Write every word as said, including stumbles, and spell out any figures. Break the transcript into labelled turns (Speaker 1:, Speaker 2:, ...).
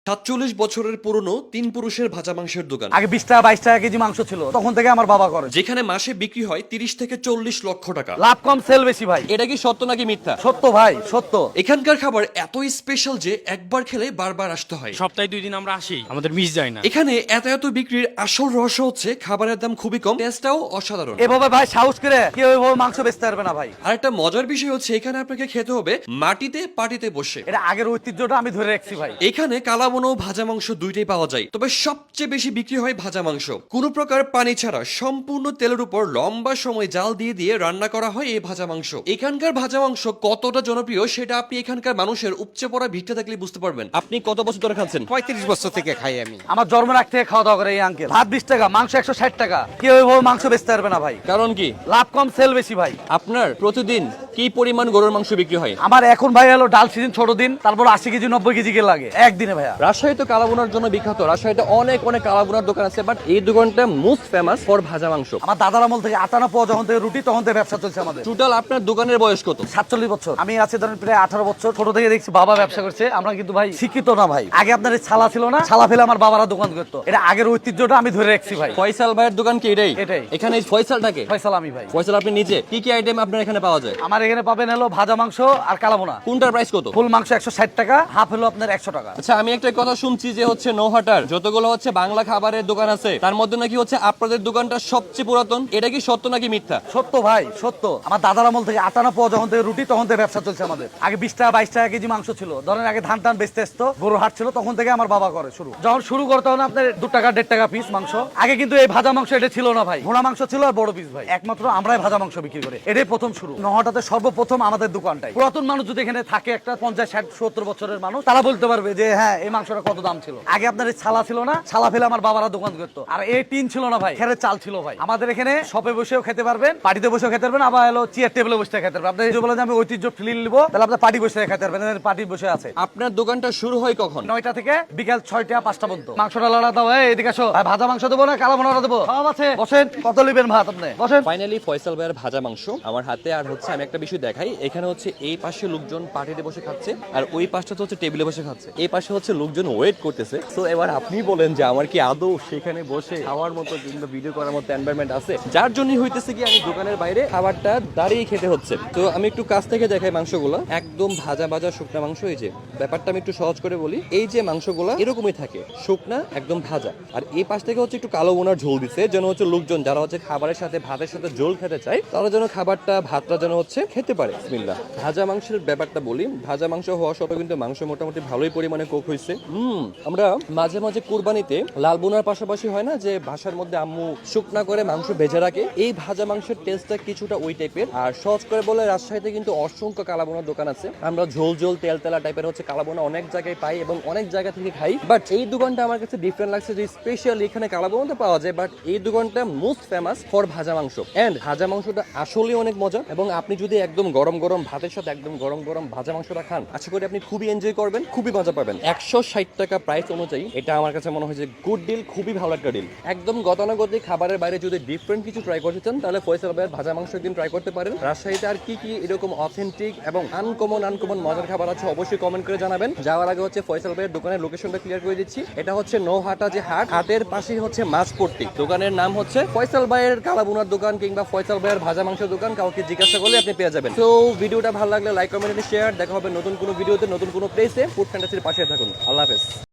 Speaker 1: সাতচল্লিশ বছরের পুরনো তিন পুরুষের ভাজা মাংসের দোকান,
Speaker 2: আগে বিশ টাকা বাইশ টাকা কেজি মাংস ছিল, তখন থেকে আমার বাবা করে।
Speaker 1: যেখানে মাসে বিক্রি হয় তিরিশ থেকে চল্লিশ লক্ষ টাকা।
Speaker 2: লাভ কম সেল বেশি ভাই।
Speaker 1: এটা কি সত্য নাকি মিথ্যা?
Speaker 2: সত্য ভাই, সত্য।
Speaker 1: এখানকার খাবার এতই স্পেশাল যে একবার খেলে বারবার আসতে হয়।
Speaker 3: সপ্তাহে দুই দিন আমরা আসি, আমাদের মিস যায় না।
Speaker 1: এখানে এত এত বিক্রির আসল রহস্য হচ্ছে খাবারের দাম খুবই কম, টেস্টটাও অসাধারণ।
Speaker 2: এভাবে ভাই সাহস করে কেউ এভাবে মাংস বেচতে পারবে না ভাই।
Speaker 1: আর একটা মজার বিষয় হচ্ছে এখানে আপনাকে খেতে হবে মাটিতে পাটিতে বসে।
Speaker 2: এটা আগের ঐতিহ্যটা আমি ধরে রাখছি ভাই।
Speaker 1: এখানে কালাবোনা ও ভাজা মাংস দুইটাই পাওয়া যায়, তবে সবচেয়ে বেশি বিক্রি হয় ভাজা মাংস। কোনো প্রকার পানি ছাড়া সম্পূর্ণ তেলের উপর লম্বা সময় জাল দিয়ে দিয়ে রান্না করা হয় এই ভাজা মাংস। এখানকার ভাজা মাংস কতটা জনপ্রিয় সেটা আপনি এখানকার মানুষের উপচে পড়া ভিড়টা দেখলে বুঝতে পারবেন। আপনি কত বছর ধরে খাচ্ছেন?
Speaker 4: পঁয়ত্রিশ বছর থেকে খাই আমি।
Speaker 2: আমার জন্ম রাখ থেকে খাওয়া দাওয়া করে এই আঙ্কেল। ভাত বিশ টাকা, মাংস একশো ষাট টাকা। কেউ এভাবে মাংস বেচতে পারবে না ভাই।
Speaker 1: কারণ কি?
Speaker 2: লাভ কম সেল বেশি ভাই।
Speaker 1: আপনার প্রতিদিন কি পরিমাণ গরুর মাংস বিক্রি হয়?
Speaker 2: আমার এখন ভাই হলো ডাল সিজন ছোট দিন, তারপর আশি কেজি নব্বই কেজি কে লাগে একদিনে ভাইয়া।
Speaker 1: রাজশাহী তো কালাবোনার জন্য বিখ্যাত। রাজশাহীতে অনেক অনেক কালাবোনার দোকান আছে, বাট এই দোকানটা মোস্ট ফেমাস ফর ভাজা মাংস।
Speaker 2: আমার দাদার আমল থেকে আটানা পাওয়া যখন থেকে রুটি তখন থেকে ব্যবসা চলছে আমাদের।
Speaker 1: টোটাল আপনার দোকানের বয়স কত?
Speaker 2: সাতচল্লিশ বছর। আমি আছি ধরেন প্রায় আঠারো বছর। ছোট থেকে দেখছি বাবা ব্যবসা করছে। আমরা কিন্তু ভাই শিক্ষিত না ভাই। আগে আপনার এই ছালা ছিল না, ছালা ফেলে আমার বাবারা দোকান করতো। এটা আগের ঐতিহ্যটা আমি ধরে রাখছি ভাই।
Speaker 1: ফয়সাল ভাইয়ের দোকান কি এটাই?
Speaker 2: এটাই।
Speaker 1: এখানে এই ফয়সালটাকে
Speaker 2: ফয়সাল আমি ভাই।
Speaker 1: ফয়সাল আপনি নিজে কি কি আইটেম আপনার এখানে পাওয়া যায়?
Speaker 2: আমার এখানে পাবেন হলো ভাজা মাংস আর কালাবোনা।
Speaker 1: কোনটার প্রাইস কত?
Speaker 2: ফুল মাংস একশো ষাট টাকা, হাফ হলো আপনার একশো টাকা।
Speaker 1: আচ্ছা, আমি একটা কথা শুনছি যে হচ্ছে নৌহাটার যতগুলো হচ্ছে বাংলা খাবারের দোকান আছে তার মধ্যে নাকি হচ্ছে আপনাদের দোকানটা সবচেয়ে পুরাতন। এটা কি সত্য নাকি মিথ্যা?
Speaker 2: সত্য ভাই, সত্য। আমার দাদার আমল থেকে আটানা পাওয়া যখন থেকে রুটি তখন থেকে ব্যবসা চলছে আমাদের। আগে বিশ টাকা বাইশ টাকা কেজি মাংস ছিল। ধরেন আগে ধান টান বেচতে আসতো, গরু হাট ছিল, তখন থেকে আমার বাবা করে শুরু। যখন শুরু করতে হলো আপনার দু টাকা দেড় টাকা পিস মাংস। আগে কিন্তু এই ভাজা মাংস এটা ছিল না ভাই। ঘোড়া মাংস ছিল আর বড় পিস ভাই। একমাত্র আমরাই ভাজা মাংস বিক্রি করে। এটাই প্রথম শুরু। নহটাতে সর্বপ্রথম আমাদের দোকানটাই। পুরাতন মানুষ যদি এখানে থাকে একটা পঞ্চাশ ষাট সত্তর বছরের মানুষ, তারা বলতে পারবে যে হ্যাঁ এই মাংসটা কত দাম ছিল। আগে আপনার এই ছালা ছিল না, ছালা ফেলে আমার বাবারা দোকান করতো। আর এই টিন ছিল না ভাই, খেরের চাল ছিল ভাই। আমাদের এখানে শপে বসেও খেতে পারবেন, পার্টিতে বসেও খেতে পারবেন, আবার হলো চেয়ার টেবিলে বসে খেতে পারবেন। আপনি যদি বলেন যে আমি ঐতিহ্য ফিল নিবো, তাহলে আপনার পার্টি বসে খেতে পারবেন। পার্টি বসে আছে।
Speaker 1: আপনার দোকানটা শুরু হয় কখন?
Speaker 2: নয়টা থেকে বিকাল ছয়টা পাঁচটা পর্যন্ত। মাংসটা লড়া দাও, এদিকে আসো। ভাই ভাজা মাংস দেবো না কালা বোনা দেবো? সব আছে, বসেন। কত লিবেন ভাত আপনি? বসেন।
Speaker 1: ফাইনালি ফয়সাল ভাইয়ের ভাজা মাংস আমার হাতে। আর হচ্ছে আমি একটা বিষয় দেখাই, এখানে হচ্ছে এই পাশে লোকজন পার্টিতে বসে খাচ্ছে আর ওই পাশটা হচ্ছে টেবিলে বসে খাচ্ছে। এই পাশে হচ্ছে লোকজন ওয়েট করতেছে। তো এবার আপনি বলেন যে আমার কি আদৌ সেখানে বসে খাওয়ার মতো কিংবা ভিডিও করার মতো এনভায়রনমেন্ট আছে? যার জন্যই হইতেছে কি আমি দোকানের বাইরে খাবারটা দাঁড়িয়ে খেতে হচ্ছে। তো আমি একটু কাছ থেকে দেখাই মাংসগুলো, একদম ভাজা ভাজা শুকনা মাংস। এই যে ব্যাপারটা আমি একটু সহজ করে বলি, এই যে মাংসগুলো এরকমই থাকে, শুকনা একদম ভাজা। আর এই পাশ থেকে হচ্ছে একটু কালো বোনার ঝোল দিচ্ছে, যেন হচ্ছে লোকজন যারা হচ্ছে খাবারের সাথে ভাতের সাথে ঝোল খেতে চায় তারা যেন খাবারটা ভাতটা যেন হচ্ছে খেতে পারে। বিসমিল্লাহ। ভাজা মাংসের ব্যাপারটা বলি, ভাজা মাংস হওয়া সত্ত্বেও কিন্তু মাংস মোটামুটি ভালোই পরিমাণে কুক হয়েছে। হুম আমরা মাঝে মাঝে কুরবানিতে লাল বোনার পাশাপাশি হয় না যে ভাষার মধ্যে আম্মু শুকনা করে মাংস ভেজে রাখে, এই ভাজা মাংসের টেস্টটা কিছুটা ওই টাইপের। আর সহজ করে বলে রাজশাহীতে কিন্তু অসংখ্য কালাবোনার দোকান আছে। আমরা ঝোল ঝোল তেল তেলা টাইপের হচ্ছে কালাবোনা অনেক জায়গায় পাই এবং অনেক জায়গা থেকে খাই, বাট এই দোকানটা আমার কাছে ডিফারেন্ট লাগছে যে স্পেশালি এখানে কালাবোনা পাওয়া যায়, বাট এই দোকানটা মোস্ট ফেমাস ফর ভাজা মাংস। এন্ড ভাজা মাংসটা আসলে অনেক মজা এবং আপনি যদি একদম গরম গরম ভাতের সাথে একদম গরম গরম ভাজা মাংসটা খান, আশা করি আপনি খুবই এনজয় করবেন, খুবই মজা পাবেন। একশো ষাট টাকা প্রাইস অনুযায়ী এটা আমার কাছে মনে হয় যে গুড ডিল, খুবই ভালো একটা ডিল। একদম গতানুগতিক খাবারের বাইরে যদি ডিফারেন্ট কিছু ট্রাই করতে চান তাহলে ফয়সাল ভাইয়ের ভাজা মাংস একদিন ট্রাই করতে পারেন। রাজশাহীতে আর কি কি এরকম অথেন্টিক এবং আনকমন আনকমন মজার খাবার আছে অবশ্যই কমেন্ট করে জানাবেন। যাওয়ার আগে হচ্ছে ফয়সাল ভাইয়ের দোকানের লোকেশনটা ক্লিয়ার করে দিচ্ছি। এটা হচ্ছে নৌহাটা যে হাট, হাটের পাশেই হচ্ছে মাছপট্টি। দোকানের নাম হচ্ছে ফয়সাল ভাইয়ের কালাবোনার দোকান কিংবা ফয়সাল ভাইয়ের ভাজা মাংসের দোকান। কাউকে জিজ্ঞাসা করলে আপনি পেয়ে যাবেন। তো ভিডিওটা ভালো লাগলে লাইক কমেন্ট শেয়ার। দেখা হবে নতুন কোনো ভিডিওতে নতুন কোনো প্লেসে। ফুড ফ্যান্টাসির পাশে থাকুন। আল্লাহ হাফেজ।